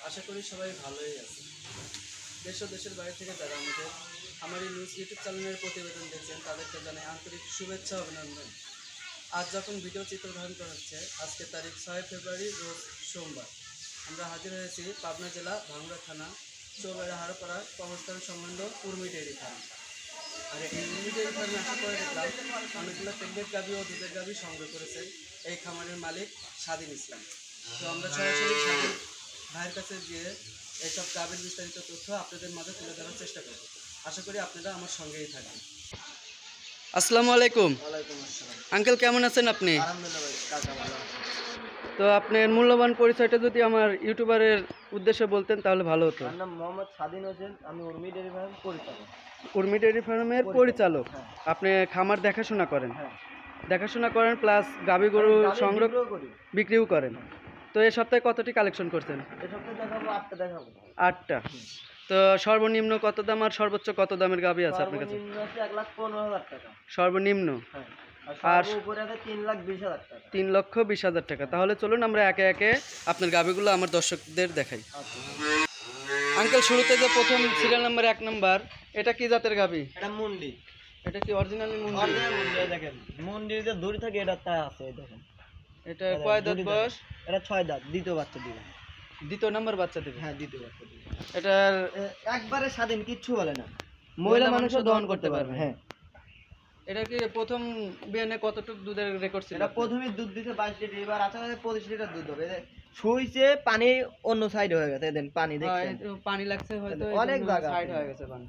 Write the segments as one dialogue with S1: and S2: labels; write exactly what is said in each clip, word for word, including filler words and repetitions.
S1: আশা করি সবাই ভালোই আছে। দেশ ও দেশের বাইরে থেকে যারা আমাদের আমার এই নিউজ ইউটিউব চ্যানেলের প্রতিবেদন দেখছেন তাদেরকে জানাই আন্তরিক শুভেচ্ছা অভিনন্দন। আজ যখন ভিডিও চিত্র ধারণ করা হচ্ছে, আজকে তারিখ ছয় ফেব্রুয়ারি রোজ সোমবার, আমরা হাজির হয়েছি পাবনা জেলা ভাঙ্গুড়া থানা চৌবাড়া হারোপাড়া কবরস্থান সম্বন্ধ উর্মি ডেয়ারি ফার্ম। আর এই উর্মি ডেয়ারি ফার্মে আশা করে দেখলাম অনেকগুলো প্রেগনেন্ট গাভী ও দুধের গাভী সংগ্রহ করেছেন এই খামারের মালিক স্বাধীন ইসলাম। তো আমরা সরাসরি স্বাধীন ভাইয়ের কাছে গিয়ে এইসব গাভীর বিস্তারিত তথ্য আপনাদের মাঝে তুলে ধরার চেষ্টা করব। আশা করি আপনারা আমার সঙ্গেই থাকবেন। আসসালামু আলাইকুম।
S2: ওয়ালাইকুম আসসালাম।
S1: আঙ্কেল কেমন আছেন আপনি?
S2: আলহামদুলিল্লাহ ভাই, কাকা ভালো আছে।
S1: তো আপনার মূল্যবান পরিচয়টা যদি আমার ইউটিউবারের উদ্দেশ্যে বলতেন তাহলে ভালো হতো।
S2: আমার নাম মোহাম্মদ স্বাধীন হোসেন, আমি উর্মি ডেয়ারি ফার্ম পরিচালক।
S1: উর্মি ডেয়ারি ফার্মের পরিচালক।
S2: হ্যাঁ।
S1: আপনি খামার দেখাশোনা করেন?
S2: হ্যাঁ,
S1: দেখাশোনা করেন প্লাস গাভী গরু
S2: আমি
S1: সংগ্রহ
S2: বিক্রিও করি।
S1: বিক্রিও করেন। তো এই সপ্তাহে কতটি কালেকশন করছেন?
S2: এই সপ্তাহে দেখাবো আটটা দেখাবো।
S1: আটটা। তো সর্বনিম্ন কত দাম আর সর্বোচ্চ কত দামের গাভী আছে আপনার কাছে?
S2: সর্বনিম্ন আছে এক লাখ পনেরো হাজার টাকা।
S1: সর্বনিম্ন
S2: হ্যাঁ,
S1: আর
S2: আর উপরে আছে তিন লাখ বিশ হাজার টাকা।
S1: তিন লক্ষ বিশ হাজার টাকা। তাহলে চলুন আমরা একে একে আপনার গাভীগুলো আমার দর্শকদের দেখাই।
S2: আচ্ছা,
S1: আঙ্কেল শুরুতে যে প্রথম সিরিয়াল নাম্বার এক নাম্বার, এটা কি জাতের গাভী?
S2: এটা মুন্ডি।
S1: এটা কি অরিজিনালি মুন্ডি?
S2: অরিজিনাল মুন্ডি, এই দেখেন মুন্ডির যে দড়ি থাকে এটা তা আছে, এই দেখেন।
S1: এটা কয় দাঁত বয়স?
S2: এটা ছয় দাঁত, দ্বিতীয় বাচ্চা দিবে।
S1: দ্বিতীয় নাম্বার বাচ্চা দেবে?
S2: হ্যাঁ, দ্বিতীয় বাচ্চা দিবে।
S1: এটার
S2: এ- একবারে স্বাধীন, কিচ্ছু বলে না, মহিলা মানুষও দহন করতে পারবে। হ্যাঁ,
S1: এটা কি প্রথম বিয়ানে কতটুকু দুধের রেকর্ড ছিল?
S2: এটা প্রথমে দুধ দিতে বাইশ লিটার, এবার আশা করি পঁচিশ লিটার দুধ হবে। এদের শুইছে পানি অন্য সাইড হয়ে গেছে, দেন পানি
S1: হ্যাঁ,
S2: দেখছেন
S1: একটু পানি লাগছে হয়তো,
S2: অনেক জায়গা
S1: সাইড
S2: আছে।
S1: হয়ে গেছে পানি।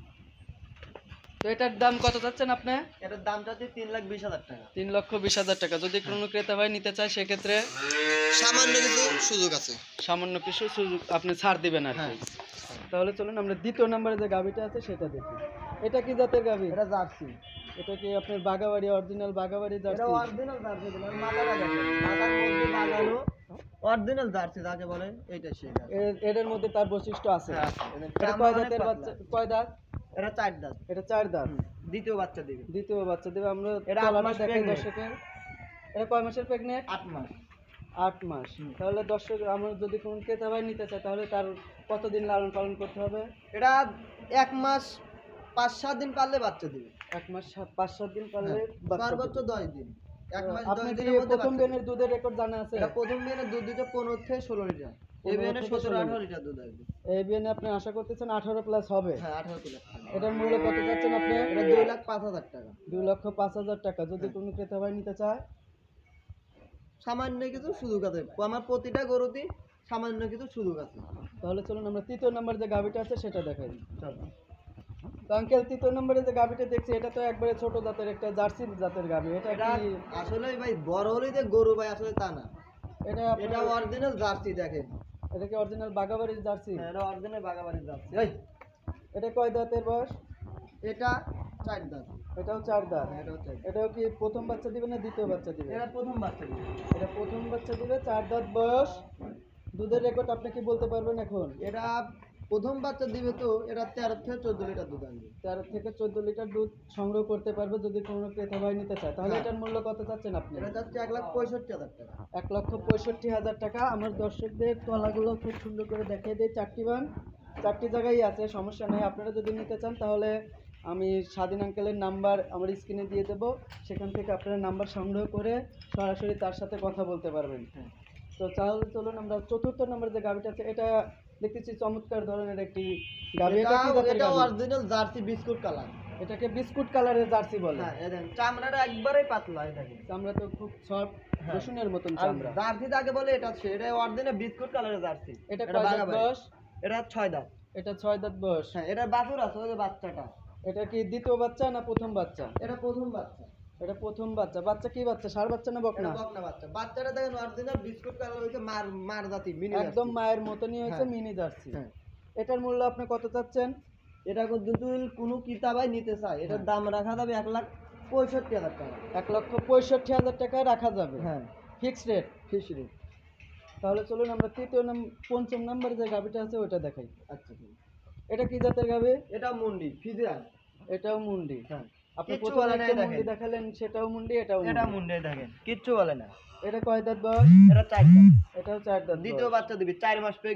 S1: তো এটার দাম কত চাচ্ছেন আপনি?
S2: এটার দামটা হচ্ছে তিন লাখ বিশ হাজার টাকা।
S1: তিন লক্ষ বিশ হাজার টাকা। যদি কোনো ক্রেতা ভাই নিতে চায় সেক্ষেত্রে
S2: সামান্য কিছু সুযোগ আছে।
S1: সামান্য কিছু সুযোগ আপনি ছাড় দিবেন আর কি।
S2: হ্যাঁ।
S1: তাহলে চলুন আমরা দ্বিতীয় নম্বরে যে গাভীটা আছে সেটা দেখি। এটা কি জাতের গাভী?
S2: এটা জার্সি।
S1: এটা কি আপনার বাগাবাড়ি অরিজিনাল বাগাবাড়ি
S2: এটা
S1: জার্সি?
S2: অরিজিনাল জার্সি, দিলাম মাথাটা দেখেন, মাথার মধ্যে লাগানো অরিজিনাল জার্সি যাকে বলে, এইটা সেই জার্সি।
S1: এর- এর মধ্যে তার বৈশিষ্ট্য আছে।
S2: হ্যাঁ, আছে। এদের
S1: এটা
S2: চামড়া
S1: কয়
S2: অনেক
S1: দাঁতের
S2: পাতলা।
S1: বাচ্চা? কয় দাঁত?
S2: এটা চার দাঁত,
S1: এটা চার দাঁত।
S2: দ্বিতীয় বাচ্চা দিবে।
S1: দ্বিতীয় বাচ্চা দেবে। আমরা
S2: এটা আট
S1: তলাটা
S2: মাস
S1: দেখাই
S2: pregnant।
S1: দর্শকের। এটা কয় মাসের প্রেগনেন্ট?
S2: আট মাস।
S1: আট মাস। তাহলে দর্শক আমরা যদি কোনো ক্রেতা ভাই নিতে চায় তাহলে তার কতদিন লালন পালন করতে হবে?
S2: এটা এক মাস পাঁচ সাত দিন পারলে বাচ্চা দিবে।
S1: এক মাস সাত- পাঁচ সাত দিন পারলে বাচ্চা
S2: সর্বোচ্চ
S1: দিবে।
S2: দশ দিন। এক মাস দশ
S1: আপনার কি
S2: দিনের মধ্যে
S1: প্রথম
S2: বাচ্চা
S1: বিয়ানের দুধের রেকর্ড জানা আছে?
S2: দিবে। এটা প্রথম বিয়ানে দুধ দিতে পনেরো থেকে ষোলো লিটার, এই বিয়ানে
S1: থেকে
S2: সতেরো
S1: ষোলো
S2: আঠারো লিটার দুধ আসবে।
S1: এই বিয়ানে আপনি আশা করতেছেন আঠারো প্লাস হবে?
S2: হ্যাঁ, আঠারো প্লাস।
S1: এটার মূল্য কত চাচ্ছেন আপনি?
S2: এটা দুই লাখ পাঁচ হাজার টাকা।
S1: দুই লক্ষ পাঁচ হাজার টাকা। যদি কোনো ক্রেতা ভাই নিতে চায়
S2: সামান্য কিছু সুযোগ আছে, আমার প্রতিটা গরুতে সামান্য কিছু সুযোগ আছে।
S1: তাহলে চলুন আমরা তৃতীয় নম্বর যে গাভীটা আছে সেটা দেখাই।
S2: চলো।
S1: তো আঙ্কেল তৃতীয় নম্বরে যে গাভীটা দেখছি এটা তো একবারে ছোট জাতের একটা জার্সি জাতের গাভী। এটা
S2: এটা
S1: কি
S2: আসলে ভাই বড় হলেই যে গরু ভাই, আসলে তা না।
S1: এটা
S2: এটা
S1: আপনার-
S2: অরিজিনাল জার্সি, দেখেন।
S1: এটা কি অরিজিনাল বাগাবাড়ির জার্সি?
S2: হ্যাঁ, এটা অরিজিনাল বাগাবাড়ির জার্সি। এই,
S1: এটা কয় দাঁতের বয়স?
S2: এটা চার দাঁত।
S1: এটাও চার দাঁত।
S2: হ্যাঁ, এটাও চার দাঁত।
S1: এটাও কি প্রথম বাচ্চা দিবে না দ্বিতীয় বাচ্চা দিবে?
S2: এটা প্রথম বাচ্চা দিবে।
S1: এটা প্রথম বাচ্চা দিবে, চার দাঁত বয়স। দুধের রেকর্ড আপনি কি বলতে পারবেন এখন?
S2: এটা প্রথম বাচ্চা দিবে, তো এটা তেরো থেকে চোদ্দ লিটার দুধ আসবে।
S1: তেরো থেকে চোদ্দ লিটার দুধ সংগ্রহ করতে পারবে যদি কোনো ক্রেতা ভাই নিতে চায়। তাহলে
S2: হ্যাঁ।
S1: এটার মূল্য কত চাচ্ছেন আপনি?
S2: এটা যাচ্ছে এক লাখ পঁয়ষট্টি হাজার টাকা।
S1: এক লক্ষ পঁয়ষট্টি হাজার টাকা। আমার দর্শকদের তলাগুলো খুব সুন্দর করে দেখিয়ে দিই। চারটি বান চারটি জায়গায় আছে, সমস্যা নেই। আপনারা যদি নিতে চান তাহলে আমি স্বাধীন আঙ্কেলের নাম্বার আমার স্ক্রিনে দিয়ে দেবো, সেখান থেকে আপনারা নাম্বার সংগ্রহ করে সরাসরি তার সাথে কথা বলতে পারবেন।
S2: হ্যাঁ।
S1: তো তাহলে চলুন আমরা চতুর্থ নম্বর যে গাভিটা আছে এটা দেখতেছি চমৎকার ধরনের একটি গাভি। এটা কি
S2: এটা
S1: জাতের
S2: এটা
S1: গাভি?
S2: Original jersey biscuit colour.
S1: এটাকে বিস্কুট কালারের জার্সি বলে।
S2: হ্যাঁ, এই দেখেন চামড়াটা একবারেই পাতলা, এই দেখেন।
S1: চামড়া তো খুব সফট,
S2: হ্যাঁ।
S1: রসুনের মতন
S2: আর
S1: চামড়া।
S2: জার্সি যাকে বলে এটা সে, এটা অরিজিনাল বিস্কুট কালারের জার্সি।
S1: এটা কয় দাঁত
S2: বাগাবাড়ি।
S1: বয়স?
S2: এটা ছয় দাঁত।
S1: এটা ছয় দাঁত বয়স।
S2: হ্যাঁ, এটা বাছুর আছে, ওই যে বাচ্চাটা।
S1: এটা কি দ্বিতীয় বাচ্চা না প্রথম বাচ্চা?
S2: এটা প্রথম বাচ্চা।
S1: এটা প্রথম বাচ্চা। বাচ্চা কি বাচ্চা, ষাঁড় বাচ্চা না
S2: এটা
S1: বকনা?
S2: বকনা বাচ্চা। বাচ্চাটা দেখেন অরিজিনাল বিস্কুট কালার, হইছে মার মার জাতি, মিনি
S1: একদম মায়ের মতনই হয়েছে,
S2: হ্যাঁ।
S1: Mini jersey.
S2: হ্যাঁ।
S1: এটার মূল্য আপনি কত চাচ্ছেন?
S2: এটা যদি কোনো কিতাবাই নিতে চায়, এটার দাম রাখা যাবে এক লাখ পঁয়ষট্টি হাজার টাকা।
S1: এক লক্ষ পঁয়ষট্টি হাজার টাকা রাখা যাবে।
S2: হ্যাঁ,
S1: ফিক্সড রেট।
S2: Fix rate.
S1: তাহলে চলুন আমরা তৃতীয় নম্বর পঞ্চম নম্বরে যে গাভিটা আছে ওইটা দেখাই।
S2: আচ্ছা, ঠিক আছে।
S1: এটা কি জাতের গাভি?
S2: এটা মুন্ডি ফিজিয়ান।
S1: এটাও মুন্ডি।
S2: হ্যাঁ,
S1: আপনি
S2: কিচ্ছু
S1: প্রথমে
S2: বলে না,
S1: একটা
S2: এই
S1: মুন্ডি
S2: দেখেন।
S1: দেখালেন, সেটাও মুন্ডি, এটাও
S2: এটা
S1: মুন্ডি।
S2: মুন্ডি দেখেন, কিচ্ছু বলে না।
S1: এটা কয় দাঁত বয়স?
S2: এটা চার দাঁত।
S1: এটাও চার দাঁত
S2: দ্বিতীয়
S1: বয়স।
S2: বাচ্চা দিবি, চার মাস প্রেগনেন্ট।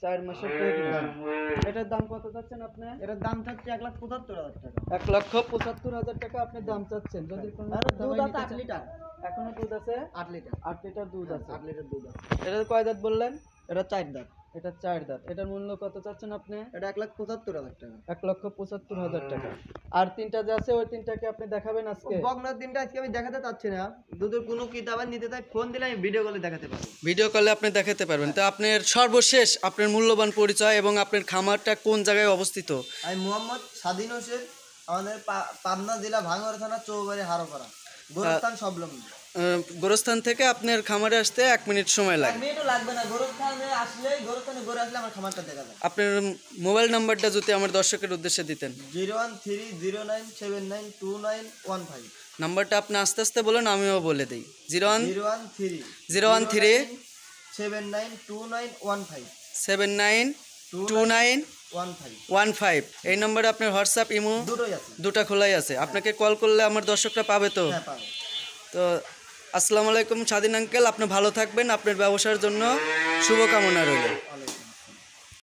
S1: চার মাসের প্রেগনেন্ট। এটার দাম কত চাচ্ছেন আপনি?
S2: এটার দাম চাচ্ছে এক লাখ পঁচাত্তর হাজার টাকা।
S1: এক লক্ষ পঁচাত্তর হাজার টাকা আপনি দাম চাচ্ছেন। যদি কোনো
S2: আর দুধ
S1: দামাই
S2: আছে
S1: নিতে
S2: আট
S1: চান-
S2: লিটার।
S1: এখনো দুধ আছে
S2: আট লিটার।
S1: আট লিটার দুধ আছে।
S2: আট লিটার দুধ আছে।
S1: এটা কয় দাঁত বললেন?
S2: এটা চার দাঁত।
S1: এটা চার দাঁত। এটার মূল্য কত চাচ্ছেন আপনি?
S2: এটা এক লাখ পঁচাত্তর হাজার টাকা।
S1: এক লক্ষ পঁচাত্তর হাজার টাকা। আর তিনটা যে আছে ওই তিনটাকে আপনি দেখাবেন আজকে?
S2: বকনার দিনটা আজকে আমি দেখাতে চাচ্ছি না। দুধের কোনো কিতাবের নিতে চাই ফোন দিলে আমি ভিডিও কলে দেখাতে পারবো।
S1: ভিডিও কলে আপনি দেখাতে পারবেন। তো আপনার সর্বশেষ আপনার মূল্যবান পরিচয় এবং আপনার খামারটা কোন জায়গায় অবস্থিত?
S2: আমি মোহাম্মদ স্বাধীন হোসেন, আমাদের পা- পাবনা জেলা ভাঙ্গর থানা চৌবাড়ি হারোপাড়া, গোরস্থান সবলম্ব।
S1: আহ, গোরস্থান থেকে আপনার খামারে আসতে এক মিনিট সময়
S2: এক
S1: লাগে।
S2: মিনিটও লাগবে না, গোরস্থানে আসলে গোরস্থানে ঘুরে আসলে আমার খামারটা দেখা যায়।
S1: আপনার মোবাইল নাম্বারটা যদি আমার দর্শকের উদ্দেশ্যে দিতেন।
S2: Zero one three zero nine seven nine two nine one five.
S1: নাম্বারটা আপনি আস্তে আস্তে বলেন, আমিও বলে দিই। Zero one
S2: zero one three
S1: zero one three
S2: seven nine two nine one five
S1: seven nine two nine
S2: one five.
S1: One five. এই নম্বরে আপনার হোয়াটসঅ্যাপ ইমো
S2: দুটোই আছে।
S1: দুটা খোলাই আছে। আপনাকে কল করলে আমার দর্শকরা পাবে তো?
S2: হ্যাঁ পাবে।
S1: তো আসসালামু আলাইকুম স্বাধীন আঙ্কেল, আপনি ভালো থাকবেন। আপনার ব্যবসার জন্য শুভকামনা রইল।
S2: অনেক